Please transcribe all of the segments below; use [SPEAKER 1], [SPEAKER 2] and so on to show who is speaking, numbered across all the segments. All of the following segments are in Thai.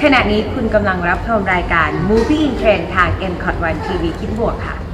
[SPEAKER 1] ขณะนี้คุณกำลังรับชมรายการ Movie in Trend ทาง MCOT 1 TV คิดบวกค่ะ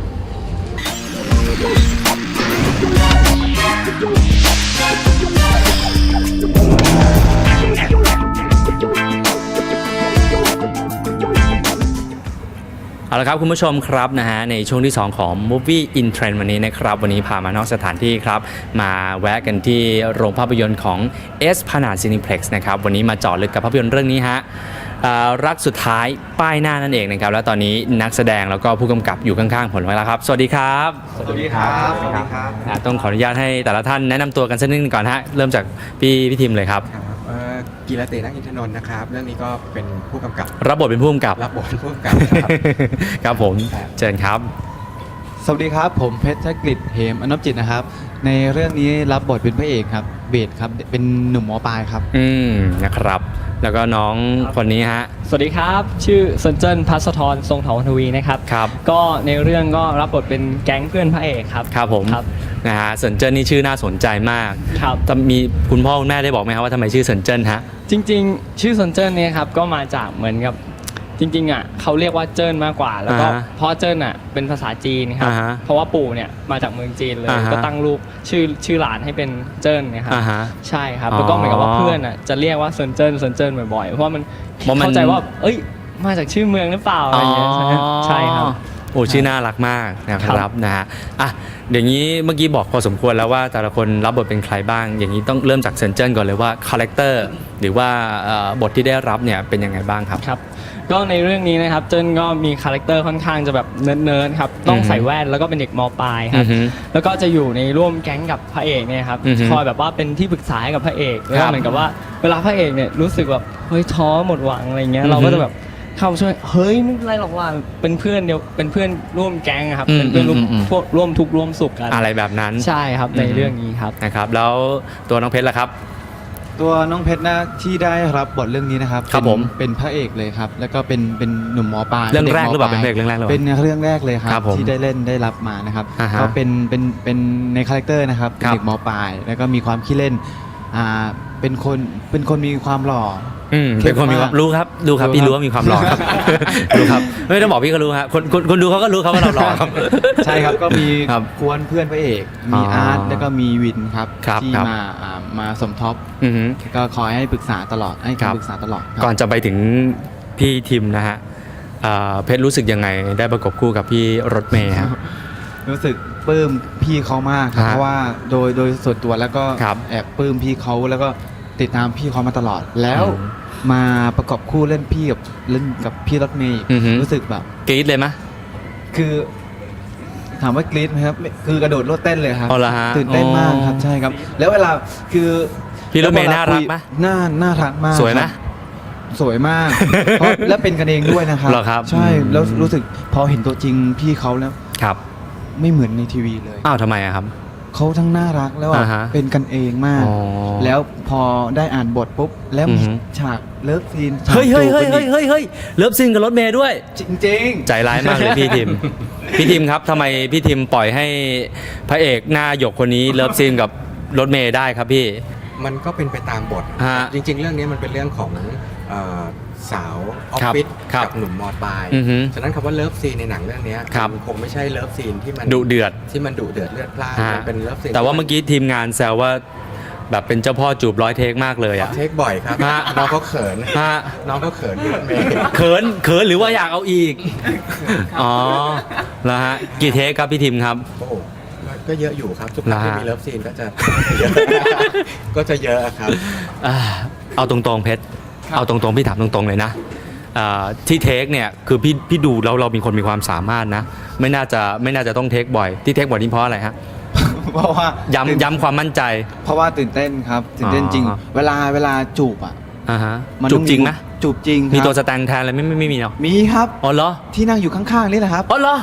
[SPEAKER 2] เอาละครับคุณผู้ชมครับนะฮะในช่วงที่2ของ Movie in Trend วันนี้นะครับวันนี้พามานอกสถานที่ครับมาแวะกันที่โรงภาพยนตร์ของ Esplanade Cineplex นะครับวันนี้มาเจาะลึกกับภาพยนตร์เรื่องนี้ฮะรักสุดท้ายป้ายหน้านั่นเองนะครับแล้วตอนนี้นักแสดงแล้วก็ผู้กำกับอยู่ข้างๆผมแล้วครับสวัสดีครับ
[SPEAKER 3] สวัสดีครับสวัสดีครับ
[SPEAKER 2] ต้องขออนุญาตให้แต่ละท่านแนะนำตัวกันสักนิดนึงก่อนฮะเริ่มจากพี่ทิมเลยครับ
[SPEAKER 3] กีรตินักอินทนนท์นะครับเรื่องนี้ก็เป็นผู้กำกับ
[SPEAKER 2] รับบทเป็นผู้กำกับ
[SPEAKER 3] รับบทเป็นผู้กำกับ
[SPEAKER 2] ครับผมเชิญครับ
[SPEAKER 4] สวัสดีครับผมเพชรกฤษเหมอนพจิตนะครับในเรื่องนี้รับบทเป็นพระเอกครับเบสครับเป็นหนุ่มหมอปลายครับ
[SPEAKER 2] นะครับแล้วก็น้องคนนี้ฮะ
[SPEAKER 5] สวัสดีครับชื่อเซนเจิ้นพัสธรทรงเถาทวีนะครับ
[SPEAKER 2] ครับ
[SPEAKER 5] ก็ในเรื่องก็รับบทเป็นแก๊งเพื่อนพระเอกครับ
[SPEAKER 2] ครับผมนะฮะเซินเจิ้นนี่ชื่อน่าสนใจมาก
[SPEAKER 5] ครับ
[SPEAKER 2] มีคุณพ่อคุณแม่ได้บอกไหมครับว่าทำไมชื่อเซินเจิ้นฮะ
[SPEAKER 5] จริงๆชื่อเซนเจิ้นเนี่ยครับก็มาจากเหมือนกับจริงๆอ่ะเขาเรียกว่าเจิ้นมากกว่าแล้วก็เพราะเจิ้นอ่ะเป็นภาษาจีนครับเพราะว่าปู่เนี่ยมาจากเมืองจีนเลยก็ตั้งรูปชื่อหลานให้เป็นเจิ้นนะครับใช่ครับแล้วก็เหมือนกับว่าเพื่อนอ่ะจะเรียกว่าเซินเจิ้นบ่อยๆเพราะว่ามันเข้าใจว่าเอ้ยมาจากชื่อเมืองหรือเปล่าอะไรอย่างเงี้ยใช่ครับ
[SPEAKER 2] โอ้ชื่อน่ารักมากนะครับนะฮะอ่ะอย่างนี้เมื่อกี้บอกพอสมควรแล้วว่าแต่ละคนรับบทเป็นใครบ้างอย่างนี้ต้องเริ่มจากเซินเจิ้นก่อนเลยว่าคาแรคเตอร์หรือว่าบทที่ได้รับเนี่ยเป็นยังไงบ้างครับ
[SPEAKER 5] ครับก็ในเรื่องนี้นะครับเจิ้นก็มีคาแรคเตอร์ค่อนข้างจะแบบเนิร์ดครับต้องใส่แว่นแล้วก็เป็นเด็กม.ปลายครับแล้วก็จะอยู่ในร่วมแก๊งกับพระเอกเนี่ยครับคอยแบบว่าเป็นที่ปรึกษาให้กับพระเอกแล้วเหมือนกับว่าเวลาพระเอกเนี่ยรู้สึกแบบเฮ้ยท้อหมดหวังอะไรเงี้ยเราก็จะแบบเข้าช่วยเฮ้ยไม่เป็นไรหรอกว่าเป็นเพื่อนเป็นเพื่อนร่วมแก๊งครับเป็นเพื่อนพวกร่วมทุกข์ร่วมสุขกัน
[SPEAKER 2] อะไรแบบนั้น
[SPEAKER 5] ใช่ครับในเรื่องนี้ครับ
[SPEAKER 2] นะครับแล้วตัวน้องเพชรล่ะครับ
[SPEAKER 4] ตัวน้องเพชรนะที่ได้รับบทเรื่องนี้นะครับเป็นพระเอกเลยครับแล้วก็เป็นหนุ่มหมอปลาย
[SPEAKER 2] เรื่องแรกหรือเปล่าเป็นเพลงเรื่องแรกหรือ
[SPEAKER 4] เป็นเรื่องแรกเลยครับที่ได้เล่นได้รับมานะครับก็เป็นในคาแรคเตอร์นะครับเด็กหมอปลายแล้วก็มีความขี้เล่นเป็นคนมีความหล่อ
[SPEAKER 2] เป็นคนมีความรู้ครับดูครับพี่รู้ว่ามีความหล่อครับรู้ครับไม่ต้องบอกพี่ก็รู้ครับคนดูเขาก็รู้เขาว่าเราหล่อครับ
[SPEAKER 4] ใช่ครับก็มีกวนเพื่อนพระเอกมีอาร์ตแล้วก็มีวินครับที่มาสมทบก็คอยให้ปรึกษาตลอดให้คำปรึกษาตลอด
[SPEAKER 2] ก่อนจะไปถึงพี่ทิมนะฮะเพชรรู้สึกยังไงได้ประกบคู่กับพี่รถเมย์ครับ
[SPEAKER 4] รู้สึกปลื้มพี่เขามากครับเพราะว่าโดยส่วนตัวแล้วก็แอบปลื้มพี่เขาแล้วก็ติดตามพี่เขามาตลอดแล้วมาประกอบคู่เล่นกับพี่รถเมย์รู้สึกแบบ
[SPEAKER 2] กรี๊ดเลยไหม
[SPEAKER 4] คือถามว่ากรี๊ดไหมครับคือกระโดดโลดเต้นเลยครับตื่นเต้นมากครับใช่ครับแล้วเวลาคือ
[SPEAKER 2] พี่รถเมย์น่ารักไหม
[SPEAKER 4] น่ารักมาก
[SPEAKER 2] สวยไหม
[SPEAKER 4] สวยมากและเป็นกันเองด้วยนะครับใช่แล้วรู้สึกพอเห็นตัวจริงพี่เขาแล้ว
[SPEAKER 2] ครับ
[SPEAKER 4] ไม่เหมือนในทีวีเลย
[SPEAKER 2] อ้าวทำไมครับ
[SPEAKER 4] เขาทั้งน่ารักแล้วเป็นกันเองมากแล้วพอได้อ่านบทปุ๊บแล้วมีฉากเลิฟซีน
[SPEAKER 2] เฮ้ยเลิฟซีนกับรถเมย์ด้วย
[SPEAKER 4] จริง
[SPEAKER 2] ใจร้ายมากเลยพี่ทิมครับทำไมพี่ทิมปล่อยให้พระเอกหน้าหยกคนนี้เลิฟซีนกับรถเมย์ได้ครับพี่
[SPEAKER 3] มันก็เป็นไปตามบทจริงๆเรื่องนี้มันเป็นเรื่องของสาวออฟฟิศกับหนุ่มม.ปลายฉะนั้นคำว่าเลิฟซีนในหนังเรื่องนี้คงไม่ใช่เลิฟซีนที่มัน
[SPEAKER 2] ดุเดือด
[SPEAKER 3] เลือดพล่านมันเป็นเลิฟซีน
[SPEAKER 2] แต่ว่าเมื่อกี้ทีมงานแซวว่าแบบเป็นเจ้าพ่อจูบ100 เทคมากเลยอะ
[SPEAKER 3] เทคบ่อยครับน้องเขาเขินเ
[SPEAKER 2] ขินหรือว่าอยากเอาอีกอ๋อแล้วฮะกี่เทคครับพี่ทิมครับ
[SPEAKER 3] ก็เยอะอยู่ครับทุกครั้งที่มีเลิฟซีนก็จะเยอะครับ
[SPEAKER 2] เอาตรงๆเพชรเอาตรงๆพี่ถามตรงๆเลยนะที่เทคเนี่ยคือพี่ดูแล้วเรามีคนมีความสามารถนะไม่น่าจะต้องเทคบ่อยที่เทคบ่อยนี่เพราะอะไรฮะ
[SPEAKER 4] เพราะว่า
[SPEAKER 2] ย้ำความมั่นใจ
[SPEAKER 4] เพราะว่าตื่นเต้นครับตื่นเต้นจริงเวลาจูบอ่ะ
[SPEAKER 2] จูบจริงไหม
[SPEAKER 4] จูบจริง
[SPEAKER 2] มีตัวสแตนแทนอะไรไม่มีเนาะ
[SPEAKER 4] มีครับ
[SPEAKER 2] อ๋อเหรอ
[SPEAKER 4] ที่นั่งอยู่ข้างๆนี่แหละครับ
[SPEAKER 2] อ๋อเหรอ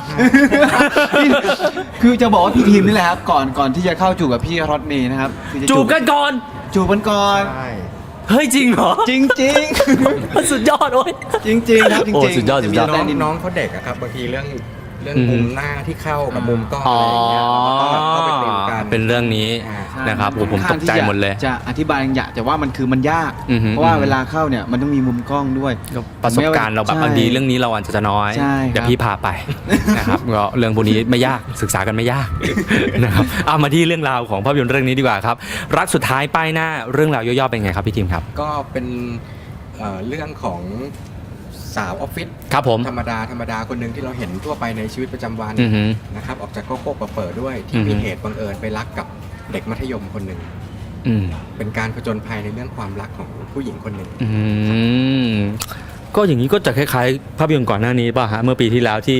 [SPEAKER 4] คือจะบอกว่าพี่ทีมนี่แหละครับก่อนที่จะเข้าจูบกับพี่รถเมย์นะครับ
[SPEAKER 2] จูบกันก่อน
[SPEAKER 4] เฮ้ย
[SPEAKER 2] จริงเหรอ
[SPEAKER 4] จริง
[SPEAKER 2] สุดยอดโอ้ย
[SPEAKER 4] จริงครับจริง
[SPEAKER 2] สุดยอด
[SPEAKER 3] น้องเขาเด็กอะครับบางทีเรื่เรื่องมุมหน้าที่เข้ากับมุมกล้องอะไรอย่างเงี้ยเราก็ไปติวกัน
[SPEAKER 2] เป็นเรื่องนี้นะครับผมตกใจหมดเลย
[SPEAKER 4] จะอธิบายอย่างแต่ว่ามันยาก
[SPEAKER 2] อือฮึ
[SPEAKER 4] เพราะว่าเวลาเข้าเนี่ยมันต้องมีมุมกล้องด้วย
[SPEAKER 2] ประสบการณ์เราแบบ
[SPEAKER 4] ใช่
[SPEAKER 2] ดีเรื่องนี้เราอาจจะน้อย
[SPEAKER 4] ใช่ครับ
[SPEAKER 2] เดี๋ยวพี่พาไป นะครับก็เรื่องพวกนี้ไม่ยากศึกษากันไม่ยาก นะครับเอามาที่เรื่องราวของภาพยนตร์เรื่องนี้ดีกว่าครับรักสุดท้ายป้ายหน้าเรื่องราวย่อๆเป็นไงครับพี่ทีมครับ
[SPEAKER 3] ก็เป็นเรื่องของสาวออฟฟิศ
[SPEAKER 2] ครับผม
[SPEAKER 3] ธรรมดาคนหนึ่งที่เราเห็นทั่วไปในชีวิตประจำวัน
[SPEAKER 2] อือฮึ
[SPEAKER 3] นะครับออกจากโก๊กๆเปิดด้วยที่
[SPEAKER 2] อือฮึ
[SPEAKER 3] มีเหตุบังเอิญไปรักกับเด็กมัธยมคนหนึ่ง
[SPEAKER 2] อืม
[SPEAKER 3] เป็นการผจญภัยในเรื่องความรักของผู้หญิงคนหนึ่ง
[SPEAKER 2] อืมก็อย่างนี้ก็จะคล้ายๆ ภาพยนตร์ก่อนหน้านี้ป่ะฮะเมื่อปีที่แล้วที่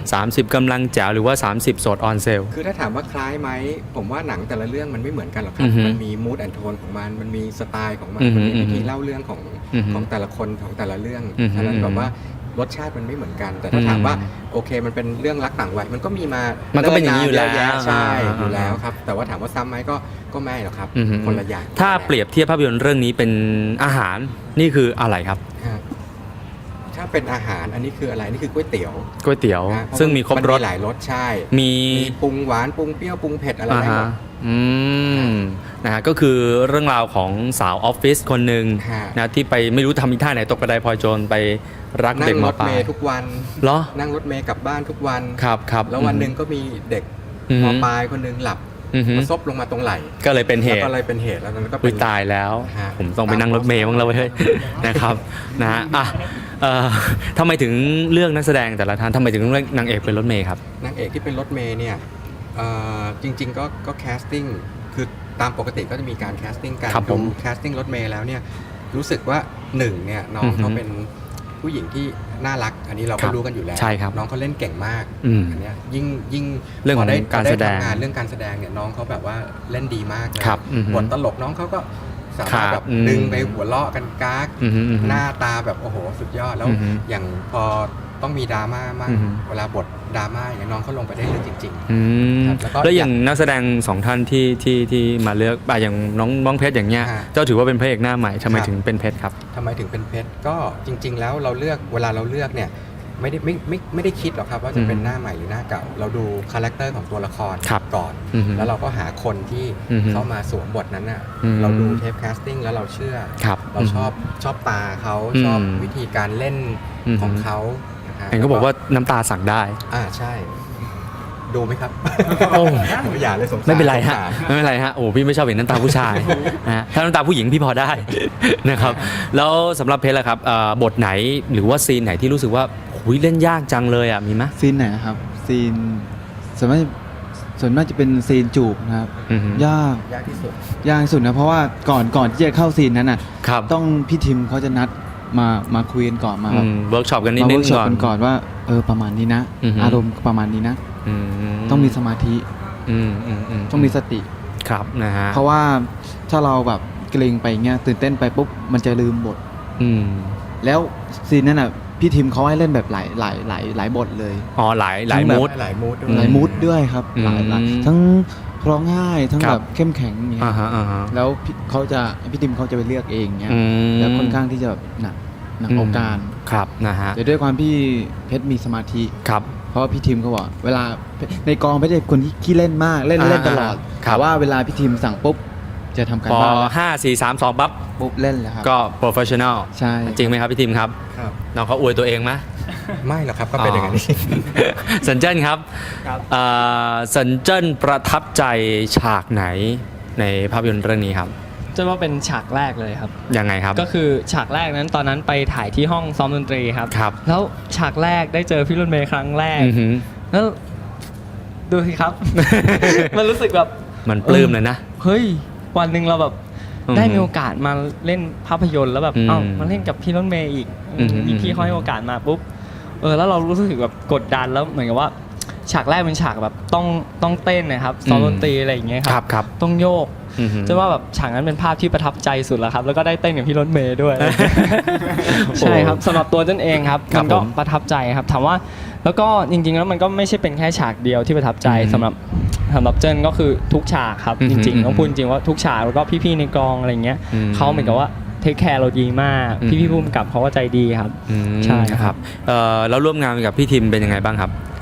[SPEAKER 2] 30 กำลังแจ๋วหรือว่า 30 โสดออนเซล
[SPEAKER 3] คือถ้าถามว่าคล้ายไหมผมว่าหนังแต่ละเรื่องมันไม่เหมือนกันหรอกครั
[SPEAKER 2] อื
[SPEAKER 3] บ
[SPEAKER 2] อฮึ
[SPEAKER 3] มันมีมูดแอนโทนของมันมีสไตล์ของมัน
[SPEAKER 2] อือฮึ
[SPEAKER 3] มันมีวิธีเล่าเรื่องของ
[SPEAKER 2] อือฮึ
[SPEAKER 3] ของแต่ละคนของแต่ละเรื่อง
[SPEAKER 2] อือฮึ
[SPEAKER 3] ฉะนั้นแบบว่ารสชาติมันไม่เหมือนกัน แต่ถ้า
[SPEAKER 2] อืม
[SPEAKER 3] ถามว่าโอเคมันเป็นเรื่องรักต่างวัยมันก็มีมา
[SPEAKER 2] มั
[SPEAKER 3] มัน
[SPEAKER 2] ก็เป็นอย่างนี้อยู่แล้ว
[SPEAKER 3] ใช่
[SPEAKER 2] อ่า
[SPEAKER 3] อยู่แล้วครับแต่ว่าถามว่าซ้ำไหมก็ไม่หรอกครับ
[SPEAKER 2] อือฮึ
[SPEAKER 3] คนละอย่าง
[SPEAKER 2] ถ้าเปรียบเทียบภาพยนตร์เรื่องนี้เป็นอาหารนี่คืออะไรครับ
[SPEAKER 3] ฮะถ้าเป็นอาหารอันนี้คืออะไรนี่คือก๋วยเตี๋ยว
[SPEAKER 2] ก๋วยเตี๋ยว
[SPEAKER 3] นะเพาะ
[SPEAKER 2] ซึ่งมีครบรส
[SPEAKER 3] นหลายรสใช่
[SPEAKER 2] มี
[SPEAKER 3] มีปรุงหวานปรุงเปรี้ยวปรุงเผ็ดอะไร
[SPEAKER 2] อ่า
[SPEAKER 3] ได้หม
[SPEAKER 2] ฮะ
[SPEAKER 3] ด
[SPEAKER 2] อืมนะฮะก็คือเรื่องราวของสาวออฟฟิศคนหนึ่ง
[SPEAKER 3] ฮะ
[SPEAKER 2] นะที่ไปไม่รู้ทำอีท่าไหนตกกระไดพลอยโจรไปรัก
[SPEAKER 3] นั่
[SPEAKER 2] เด็ก
[SPEAKER 3] ง
[SPEAKER 2] ม
[SPEAKER 3] ร
[SPEAKER 2] อ
[SPEAKER 3] ถ
[SPEAKER 2] ปลา
[SPEAKER 3] เม
[SPEAKER 2] ย
[SPEAKER 3] ย์ทุกวัน
[SPEAKER 2] เหรอ
[SPEAKER 3] นั่งรถเมย์กลับบ้านทุกวัน
[SPEAKER 2] ครับครับ
[SPEAKER 3] แล้ววันหนึ่งก็มีเด็ก
[SPEAKER 2] อือฮึ
[SPEAKER 3] มปลายคนหนึ่งหลับ
[SPEAKER 2] อือฮึ
[SPEAKER 3] มาซบลงมาตรงไหล่
[SPEAKER 2] ก็เลยเป็นเห
[SPEAKER 3] แล้ว
[SPEAKER 2] ตุ
[SPEAKER 3] ก็เลยเป็นเหตุแล้วนั้นก็
[SPEAKER 2] อุ้
[SPEAKER 3] เป็
[SPEAKER 2] ย
[SPEAKER 3] น
[SPEAKER 2] ตายแล้ว
[SPEAKER 3] ฮะ
[SPEAKER 2] ผมต้องไปนั่งรถเมย์บ้างแล้วเว้ย นะครับนะฮะอ่ะทำไมถึงเลือกนักแสดงแต่ละท่านทำไมถึงเลือกนางเอกเป็นรถเมย์ครับ
[SPEAKER 3] นางเอกที่เป็นรถเมย์เนี่ยจริง ๆ ก็แคสติ้งคือตามปกติก็จะมีการแคสติ้งการ
[SPEAKER 2] ครับผ
[SPEAKER 3] ดู
[SPEAKER 2] ม
[SPEAKER 3] แคสติ้งรถเมย์แล้วเนี่ยรู้สึกว่าหนึ่งเนี่ยน้อง
[SPEAKER 2] อือฮึ
[SPEAKER 3] เขาเป็นผู้หญิงที่น่ารัก อันนี้เรา
[SPEAKER 2] ครั
[SPEAKER 3] ก็
[SPEAKER 2] บ
[SPEAKER 3] รู้กันอยู่แล้ว
[SPEAKER 2] ใช่ครับ
[SPEAKER 3] น้องเขาเล่นเก่งมาก
[SPEAKER 2] อืม
[SPEAKER 3] อันเนี้ยยิ่ง
[SPEAKER 2] เรื่องของ
[SPEAKER 3] พได้
[SPEAKER 2] การแสดง
[SPEAKER 3] พอไทำงานเรื่องการแสดงเนี่ยน้องเขาแบบว่าเล่นดีมากเลย
[SPEAKER 2] ครับอือฮึ
[SPEAKER 3] บทตลกน้องเขาก็สามารถ
[SPEAKER 2] ครับ
[SPEAKER 3] แบบ
[SPEAKER 2] อืม
[SPEAKER 3] ดึงไปหัวเราะกันก๊าก
[SPEAKER 2] อือฮึอือฮึ
[SPEAKER 3] หน้าตาแบบโอ้โหสุดยอดแล้ว
[SPEAKER 2] อือฮึ
[SPEAKER 3] อย่างพอต้องมีดราม่ามาก
[SPEAKER 2] อือฮึ
[SPEAKER 3] เวลาบทดราม่าอย่างเงี้ยน้องเขาลงไปได้เลยจริง
[SPEAKER 2] อืม
[SPEAKER 3] ครับแล้วก็
[SPEAKER 2] แล้วอย่างนักแสดงสองท่านที่มาเลือกอย่างน้องเพชรอย่างเงี้ย
[SPEAKER 3] ฮะ
[SPEAKER 2] เจ้าถือว่าเป็นพระเอกหน้าใหม่ทำไม
[SPEAKER 3] ครับ
[SPEAKER 2] ถึงเป็นเพชรครับ
[SPEAKER 3] ๆทำไมถึงเป็นเพชรก็จริง ๆ แล้วเราเลือกเวลาเราเลือกเนี่ยไม่ได้คิดหรอกครับว่าจะเป็นหน้าใหม่หรือหน้าเก่า เราดูคาแรคเตอร์ของตัวละคร
[SPEAKER 2] ครับ
[SPEAKER 3] ก่อน
[SPEAKER 2] อือฮึ
[SPEAKER 3] แล้วเราก็หาคนที่
[SPEAKER 2] อือฮึ
[SPEAKER 3] เข้ามาสวมบทนั้นน่ะ
[SPEAKER 2] อืม
[SPEAKER 3] เราดูเทปแคสติ้งแล้วเราเชื่อ
[SPEAKER 2] ครับ
[SPEAKER 3] เราชอบตาเขา
[SPEAKER 2] อืม
[SPEAKER 3] ชอบวิธีการเล่น
[SPEAKER 2] อืม
[SPEAKER 3] ของเขานะฮะ
[SPEAKER 2] เห็นเขาบอกว่าน้ำตาสั่งได้
[SPEAKER 3] ใช่ ดูไหมครับ
[SPEAKER 2] โอ้
[SPEAKER 3] อย่าเลยสงสาร
[SPEAKER 2] ไม่เป็นไรฮะ
[SPEAKER 3] สงสา
[SPEAKER 2] ไม่เป็นไรฮะโอ้พี่ไม่ชอบเห็นน้ำตาผู้ชายนะฮะถ้าน้ำตาผู้หญิงพี่พอได้ นะครับแล้วสำหรับเพชรล่ะครับบทไหนหรือว่าซีนไหนที่รู้สึกว่าหุยเล่นยากจังเลยอ่ะมีไหม
[SPEAKER 4] ซีนไหนนะครับซีนส่วนมากจะเป็นซีนจูบนะครับ
[SPEAKER 2] อือฮึ
[SPEAKER 4] ยาก
[SPEAKER 3] ยากที่สุด
[SPEAKER 4] ยากที่สุดนะเพราะว่าก่อนที่จะเข้าซีนนั้นน่ะ
[SPEAKER 2] ครับ
[SPEAKER 4] ต้องพี่ทิมเขาจะนัดมาคุยกันก่อนมา
[SPEAKER 2] เวิร์กช็อปกันนิด
[SPEAKER 4] มา
[SPEAKER 2] นึ
[SPEAKER 4] เวิ
[SPEAKER 2] ง
[SPEAKER 4] ร์กช็อป
[SPEAKER 2] ก่อน
[SPEAKER 4] กันก่อนว่าประมาณนี้นะ
[SPEAKER 2] อือฮึ
[SPEAKER 4] อารมณ์ประมาณนี้นะ
[SPEAKER 2] อื
[SPEAKER 4] ต้องมีสมาธิ ต้องมีสติ
[SPEAKER 2] ครับนะฮะ
[SPEAKER 4] เพราะว่าถ้าเราแบบเกรงไปเงี้ยตื่นเต้นไปปุ๊บมันจะลืมบท
[SPEAKER 2] อืม
[SPEAKER 4] แล้วซีนนั้นน่ะพี่ทิมเขาให้เล่นแบบหลายบทเลย
[SPEAKER 2] อ๋อหลายมูด
[SPEAKER 3] หลายมูด
[SPEAKER 4] หลายมูดด้วยครับ
[SPEAKER 2] อืม
[SPEAKER 4] หลายทั้งร้องไห้ทั้ง
[SPEAKER 2] ครับ
[SPEAKER 4] แบบเข้มแข็งอย่างเงี้ย
[SPEAKER 2] อ่าฮะอ่าฮะ
[SPEAKER 4] แล้วพี่ทิมเขาจะไปเลือกเองเงี้ย
[SPEAKER 2] อืม
[SPEAKER 4] แล้วค่อนข้างที่จะหนักเอาการ
[SPEAKER 2] ครับนะฮะ
[SPEAKER 4] แต่ด้วยความพี่เพชรมีสมาธิ
[SPEAKER 2] ครับ
[SPEAKER 4] เพราะว่าพี่ทิมเขาบอกเวลาในกองเพชรเป็นคนที่ขี้เล่นมากเล่นตลอด
[SPEAKER 2] ครับ
[SPEAKER 4] แต่ว่าเวลาพี่ทิมสั่งปุ๊บจะทำการ
[SPEAKER 2] พอ
[SPEAKER 4] บ้านแล้ว
[SPEAKER 2] 5 4 3 2ปั๊บ
[SPEAKER 4] ปุ๊บเล่นเลยครับ
[SPEAKER 2] ก็ professional
[SPEAKER 4] ใช่
[SPEAKER 2] จริงไหมครับพี่ทีมครับ
[SPEAKER 3] ครับ
[SPEAKER 2] น้องเขาอวยตัวเองไหม
[SPEAKER 3] ไม่หรอกครับก็เป็นอย่างนั้น
[SPEAKER 2] สันเจิ้นครับ
[SPEAKER 5] ครับ
[SPEAKER 2] สันเจิ้นประทับใจฉากไหนในภาพยนตร์เรื่องนี้ครับ
[SPEAKER 5] จะว่าเป็นฉากแรกเลยครับ
[SPEAKER 2] ยังไงครับ
[SPEAKER 5] ก็คือฉากแรกนั้นตอนนั้นไปถ่ายที่ห้องซ้อมดนตรีครับ
[SPEAKER 2] ครับ
[SPEAKER 5] แล้วฉากแรกได้เจอพี่รุ่นเมย์ครั้งแรก
[SPEAKER 2] อือหือ
[SPEAKER 5] แล้วดูสิครับ มันรู้สึกแบบ
[SPEAKER 2] มันปลื้มเลยนะ
[SPEAKER 5] เฮ้ยวันหนึ่งเราแบบ
[SPEAKER 2] อืม
[SPEAKER 5] ได้มีโอกาสมาเล่นภาพยนตร์แล้วแบบ
[SPEAKER 2] อืม
[SPEAKER 5] เอ้ามาเล่นกับพี่รถเมย์อีก
[SPEAKER 2] อืม
[SPEAKER 5] พี่เขาให้โอกาสมาปุ๊บแล้วเรารู้สึกแบบกดดันแล้วเหมือนกับว่า ฉากแรกเป็นฉากแบบต้องเต้นนะครับซ้อมดนตรีอะไรอย่างเงี้ยค
[SPEAKER 2] ครั
[SPEAKER 5] รั
[SPEAKER 2] บบ ครับ
[SPEAKER 5] ต้องโยก
[SPEAKER 2] อือหือ
[SPEAKER 5] จะว่าแบบฉากนั้นเป็นภาพที่ประทับใจสุดแล้วครับแล้วก็ได้เต้นกับพี่รถเมย์ด้วย ใช่ครับสำหรับตัวเจ้นเองครับ
[SPEAKER 2] ครับ
[SPEAKER 5] มันก็
[SPEAKER 2] ผม
[SPEAKER 5] ประทับใจครับถามว่าแล้วก็จริงๆแล้วมันก็ไม่ใช่เป็นแค่ฉากเดียวที่ประทับใจ
[SPEAKER 2] อืม
[SPEAKER 5] สำหรับเจิ้นก็คือทุกฉากครับ
[SPEAKER 2] อืม
[SPEAKER 5] จริง
[SPEAKER 2] อืม
[SPEAKER 5] ๆต้องพูดจริงว่าทุกฉากแล้วก็พี่ๆในกองอะไรเงี้ย
[SPEAKER 2] อืม
[SPEAKER 5] เขาเหมือนกับว่าเทคแคร์เราดีมาก
[SPEAKER 2] อืม
[SPEAKER 5] พี่ๆผู้กำกับเขาก็ใจดีครับ
[SPEAKER 2] อืม
[SPEAKER 5] ใช่ครับ
[SPEAKER 2] แล้วร่วมงานกับพี่ทิมเป็นยังไงบ้างครับ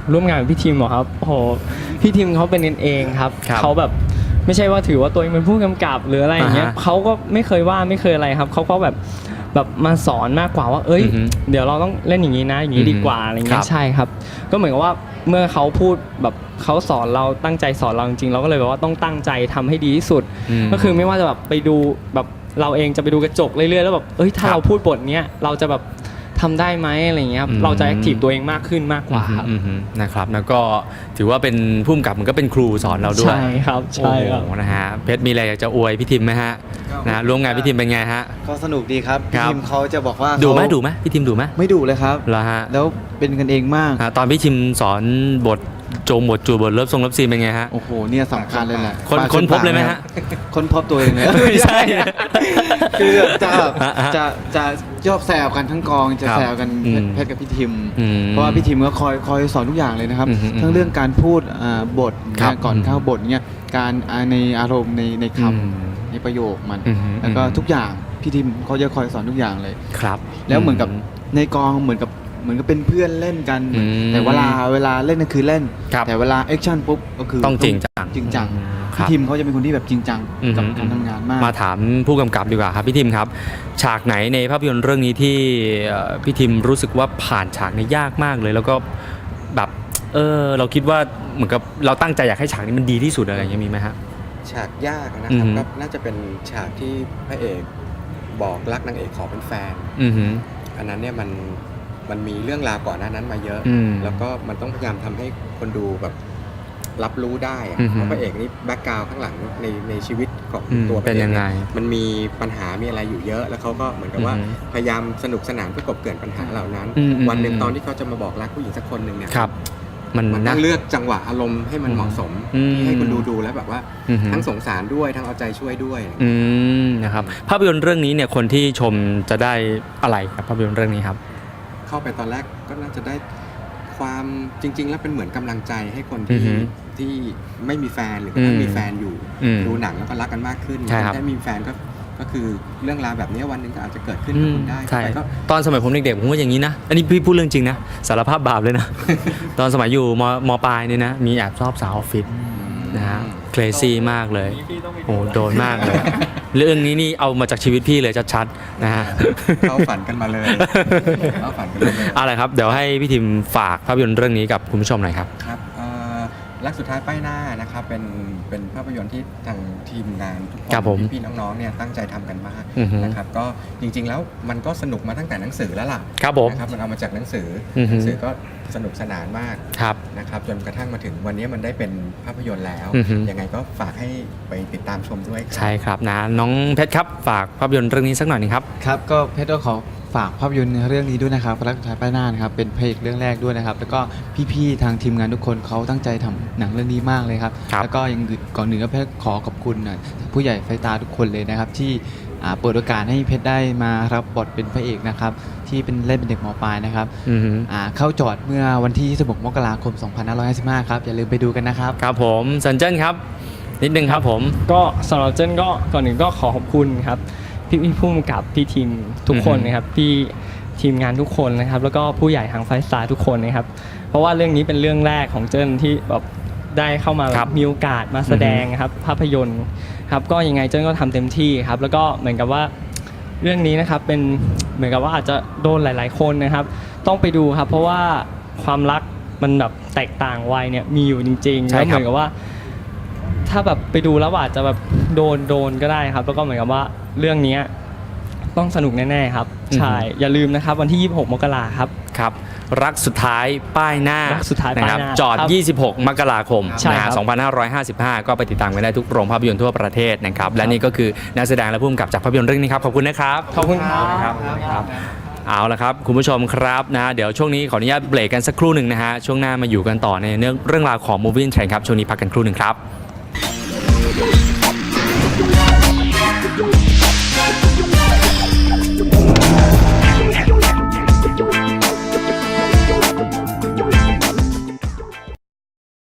[SPEAKER 5] ร่วมงานกับพี่ทีมเหรอครับโอ้โหพี่ทีมเขาเป็นกันเองครับ
[SPEAKER 2] ครับ
[SPEAKER 5] เขาแบบไม่ใช่ว่าถือว่าตัวเองเป็นผู้กำกับหรืออะไรอย่างเงี้ย
[SPEAKER 2] อ่าฮะ
[SPEAKER 5] เขาก็ไม่เคยว่าไม่เคยอะไรครับเขาก็แบบมาสอนมากกว่าว่าเอ้ย
[SPEAKER 2] อือฮึ
[SPEAKER 5] เดี๋ยวเราต้องเล่นอย่างนี้นะอย่างนี้ดีกว่าอะไร
[SPEAKER 2] ค
[SPEAKER 5] เงี้
[SPEAKER 2] รั
[SPEAKER 5] ย
[SPEAKER 2] บ
[SPEAKER 5] ใช่ครับ ก็เหมือนกับว่าเมื่อเขาพูดแบบเขาสอนเราตั้งใจสอนเราจริงๆเราก็เลยแบบว่าต้องตั้งใจทำให้ดีที่สุด
[SPEAKER 2] ม
[SPEAKER 5] ก็คือไม่ว่าจะแบบไปดูแบบเราเองจะไปดูกระจกเรื่อยๆแล้วแบบเอ้ยถ้า
[SPEAKER 2] ครับ
[SPEAKER 5] เราพูดบทเนี้ยเราจะแบบทำได้ไหมอะไรเงี้ยครับ
[SPEAKER 2] อืม
[SPEAKER 5] เราจะแอคทีฟตัวเองมากขึ้นมากกว่าครับ
[SPEAKER 2] นะครับแล้วก็ถือว่าเป็นผู้กำกับมันก็เป็นครูสอนเราด้วย
[SPEAKER 5] ใช่ครับใช่ครับ
[SPEAKER 2] โอ้โหนะฮะเพชรมีอะไรอยากจะอวยพี่ทิมไหมฮะนะร่วมงานพี่ทิมเป็นไงฮะ
[SPEAKER 4] ก็สนุกดีครับ
[SPEAKER 2] ครับ
[SPEAKER 4] ทีมเขาจะบอกว่า
[SPEAKER 2] ดูไหม
[SPEAKER 4] เขา
[SPEAKER 2] ดูไหมพี่ทิมดูไหม
[SPEAKER 4] ไม่ดุเลยครับ
[SPEAKER 2] เหรอฮะ
[SPEAKER 4] แล้วเป็นกันเองมาก
[SPEAKER 2] ตอนพี่ทิมสอนบทโจงบทจูบทเลิฟทรงเลิฟซีนเป็นไงฮะ
[SPEAKER 4] โอ้โหเนี่ยสำคัญเลยแหละ
[SPEAKER 2] ค้นพบเลยไหมฮะ
[SPEAKER 4] ค้นพบตัวเองเลย
[SPEAKER 2] ไม่ใช่
[SPEAKER 4] คือจะ
[SPEAKER 2] ฮะ
[SPEAKER 4] จะชอบแซวกันทั้งกองจะ
[SPEAKER 2] ครับ
[SPEAKER 4] แซวกัน
[SPEAKER 2] อืม
[SPEAKER 4] เพชรกับพี่ทิม
[SPEAKER 2] อืม
[SPEAKER 4] เพราะว่าพี่ทิมก็คอยสอนทุกอย่างเลยนะครับ
[SPEAKER 2] อืม
[SPEAKER 4] ทั้งเรื่องการพูดบท
[SPEAKER 2] ครับ
[SPEAKER 4] ก่อนเข้าบทเนี่ยการในอารมณ์ในค
[SPEAKER 2] อืม
[SPEAKER 4] ำในประโยคมัน
[SPEAKER 2] อืม
[SPEAKER 4] แล้วก็ทุกอย่างพี่ทิมเขาจะคอยสอนทุกอย่างเลย
[SPEAKER 2] ครับ
[SPEAKER 4] แล้วเหมือนกับในกองเหมือนกับเป็นเพื่อนเล่นกัน
[SPEAKER 2] อืม
[SPEAKER 4] แต่เวลาเล่นก็คือเล่น
[SPEAKER 2] ครับ
[SPEAKER 4] แต่เวลาแอคชั่นปุ๊บก็คือ
[SPEAKER 2] ต้องจริงจัง
[SPEAKER 4] จริงจัง
[SPEAKER 2] ครั
[SPEAKER 4] พี่
[SPEAKER 2] บ
[SPEAKER 4] ทิมเขาจะเป็นคนที่แบบจริงจังกับ
[SPEAKER 2] อืม
[SPEAKER 4] การทำงานมาก
[SPEAKER 2] มาถามผู้กำกับดีกว่าครับพี่ทิมครับ ฉากไหนในภาพยนตร์เรื่องนี้ที่พี่ทิมรู้สึกว่าผ่านฉากนี้ยากมากเลย แล้วก็แบบเราคิดว่าเหมือนกับเราตั้งใจอยากให้ฉากนี้มันดีที่สุดอะไรอย่างเงี้ยมีไหมฮะ
[SPEAKER 3] ฉากยากนะครับ
[SPEAKER 2] อือฮึ
[SPEAKER 3] ก็น่าจะเป็นฉากที่พระเอกบอกรักนางเอกขอเป็นแฟน
[SPEAKER 2] อือหือ
[SPEAKER 3] อันนั้นเนี่ยมันมีเรื่องราวก่อนหน้านั้นมาเยอะ
[SPEAKER 2] อืม
[SPEAKER 3] แล้วก็มันต้องพยายามทำให้คนดูแบบรับรู้ได้อะ
[SPEAKER 2] อือฮึ
[SPEAKER 3] เพราะพระเอกนี่แบ็กกราวข้างหลังในชีวิตของ
[SPEAKER 2] อืม
[SPEAKER 3] ตัวพ
[SPEAKER 2] เป็
[SPEAKER 3] ระ
[SPEAKER 2] น
[SPEAKER 3] เอก
[SPEAKER 2] ยังไง
[SPEAKER 3] เนี่ยมันมีปัญหามีอะไรอยู่เยอะ แล้วเขาก็เหมือนกับว่า
[SPEAKER 2] อือฮึ
[SPEAKER 3] พยายามสนุกสนานเพื่อกลบเกลื่อนปัญหาเหล่านั้น
[SPEAKER 2] อืม
[SPEAKER 3] วันหนึ่งตอนที่เขาจะมาบอกรักผู้หญิงสักคนหนึ่งเนี่ย
[SPEAKER 2] ครับ มัน
[SPEAKER 3] มัน
[SPEAKER 2] นะ
[SPEAKER 3] ต้องเลือกจังหวะอารมณ์ให้มันเหมาะสม
[SPEAKER 2] อืม
[SPEAKER 3] ที่ให้คนดูแล้วแบบว่า
[SPEAKER 2] อือหือ
[SPEAKER 3] ทั้งสงสารด้วยทั้งเอาใจช่วยด้วย
[SPEAKER 2] นะครับภาพยนตร์เรื่องนี้เนี่ยคนที่ชมจะได้อะไรครับภาพยนตร์เรื่องนี้ครับ
[SPEAKER 3] เข้าไปตอนแรกก็น่าจะได้ความจริง ๆ แล้วเป็นเหมือนกำลังใจให้คน
[SPEAKER 2] อื
[SPEAKER 3] ที่
[SPEAKER 2] อฮึ
[SPEAKER 3] ที่ไม่มีแฟนหรือกระทั่งมีแฟนอยู่
[SPEAKER 2] อืม
[SPEAKER 3] ดูหนังแล้วก็รักกันมากขึ้น
[SPEAKER 2] ใช่ครับ
[SPEAKER 3] ถ้ามีแฟนก็คือเรื่องราวแบบนี้วันหนึ่งก็อาจจะเกิดขึ้นกับคุณได้
[SPEAKER 2] ใช่
[SPEAKER 3] แต่ก็
[SPEAKER 2] ตอนสมัยผมเด็กๆผมว่าอย่างนี้นะ อันนี้พี่พูดเรื่องจริงนะสารภาพบาปเลยนะ ตอนสมัยอยู่มปลายเนี่ยนะมีแอบชอบสาวออฟฟิศนะฮะเคลซี่มากเลยโอ้โดนมากเลย เรื่องนี้นี่เอามาจากชีวิตพี่เลยชัดๆนะฮะ
[SPEAKER 3] เข้าฝันกันมาเลยเข้าฝันกันมาเลย
[SPEAKER 2] อะไรครับเดี๋ยวให้พี่ทิมฝากภาพยนตร์เรื่องนี้กับคุณผู้ชมหน่อยครับ
[SPEAKER 3] ครับรักสุดท้ายป้ายหน้านะครับเป็นภาพยนตร์ที่ทางทีมงานทุกคน
[SPEAKER 2] ครับผม
[SPEAKER 3] พี่ๆน้องๆเนี่ยตั้งใจทำกันมาก
[SPEAKER 2] อือฮึ
[SPEAKER 3] นะครับก็จริง ๆ แล้วมันก็สนุกมาตั้งแต่หนังสือแล้วล่ะ
[SPEAKER 2] ครับผม
[SPEAKER 3] นะครับมันเอามาจากหนังสือ
[SPEAKER 2] อือฮึ
[SPEAKER 3] หนังสือก็สนุกสนานมาก
[SPEAKER 2] ครับ
[SPEAKER 3] นะครับจนกระทั่งมาถึงวันนี้มันได้เป็นภาพยนตร์แล้ว
[SPEAKER 2] อือฮึ
[SPEAKER 3] ยังไงก็ฝากให้ไปติดตามชมด้วยครับ
[SPEAKER 2] ใช่ครับนะน้องเพชรครับฝากภาพยนตร์เรื่องนี้สักหน่อยหนึงครับ
[SPEAKER 4] ครับก็เพชรก็ขอฝากภาพยนตร์เรื่องนี้ด้วยนะครับรักสุดท้ายป้ายหน้านะครับเป็นพระเอกเรื่องแรกด้วยนะครับแล้วก็พี่ๆทางทีมงานทุกคนเขาตั้งใจทำหนังเรื่องนี้มากเลยครับ
[SPEAKER 2] ครับ
[SPEAKER 4] แล้วก็ยังก่อนหนึ่งก็เพชรขอขอบคุณผู้ใหญ่ไฟตาทุกคนเลยนะครับที่เปิดโอกาสให้เพชรได้มารับบทเป็นพระเอกนะครับที่เป็นเล่นเป็นเด็กมปลายนะครับ
[SPEAKER 2] อือฮึ
[SPEAKER 4] เข้าจอดเมื่อวันที่26มกราคม 2555 ครับอย่าลืมไปดูกันนะครับ
[SPEAKER 2] ครับผมสันเจิ้นครับ นิดนึงครับผม
[SPEAKER 5] ก็สำหรับเจนก็ก่อนหนึ่งก็ขอขอบคุณครับพี่ผู้กำกับพี่ทีมทุกคนนะครับพี่ทีมงานทุกคนนะครับแล้วก็ผู้ใหญ่ทางไฟสตาร์ทุกคนนะครับเพราะว่าเรื่องนี้เป็นเรื่องแรกของเจนที่แบบได้เข้ามา
[SPEAKER 2] ครับ
[SPEAKER 5] มีโอกาสมาแสดงครับภาพยนตร์ครับก็ยังไงเจนก็ทำเต็มที่ครับแล้วก็เหมือนกับว่าเรื่องนี้นะครับเป็นเหมือนกับว่าอาจจะโดนหลายๆคนนะครับต้องไปดูครับเพราะว่าความรักมันแบบแตกต่างวัยเนี่ยมีอยู่จริงๆ
[SPEAKER 2] ใช่
[SPEAKER 5] แล้ว
[SPEAKER 2] ครับ
[SPEAKER 5] เหมือนกับว่า ถ้าแบบไปดูแล้วอาจจะแบบโดนก็ได้ครับ แล้วก็เหมือนกับว่าเรื่องนี้ต้องสนุกแน่ๆครับ ใช่ อย่าลืมนะครับวันที่ 26 มกราครับ
[SPEAKER 2] ครับรักสุดท้ายป้ายหน้า
[SPEAKER 5] รักสุดท้ายป้ายหน้า
[SPEAKER 2] นะครับจอด
[SPEAKER 5] ครับ
[SPEAKER 2] 26 มกราคม
[SPEAKER 5] ใช่
[SPEAKER 2] นะ
[SPEAKER 5] ครั
[SPEAKER 2] ฮะ
[SPEAKER 5] บ
[SPEAKER 2] 2555 ก็ไปติดตามกันได้ทุกโรงภาพยนตร์ทั่วประเทศนะครับและนี่ก็คือนักแสดงและผู้กำกับจากภาพยนตร์เรื่องนี้ครับขอบคุณนะครับ
[SPEAKER 5] ขอบคุณครับ
[SPEAKER 2] ครับเอาละครับคุณผู้ชมครับนะเดี๋ยวช่วงนี้ขออนุญาตเบรกกันสักครู่หนึ่งนะฮะช่วงหน้ามาอยู่กันต่อในเรื่องราวของ Movie Trend ครับช่วงนี้พักกันครู่หนึ่งครับ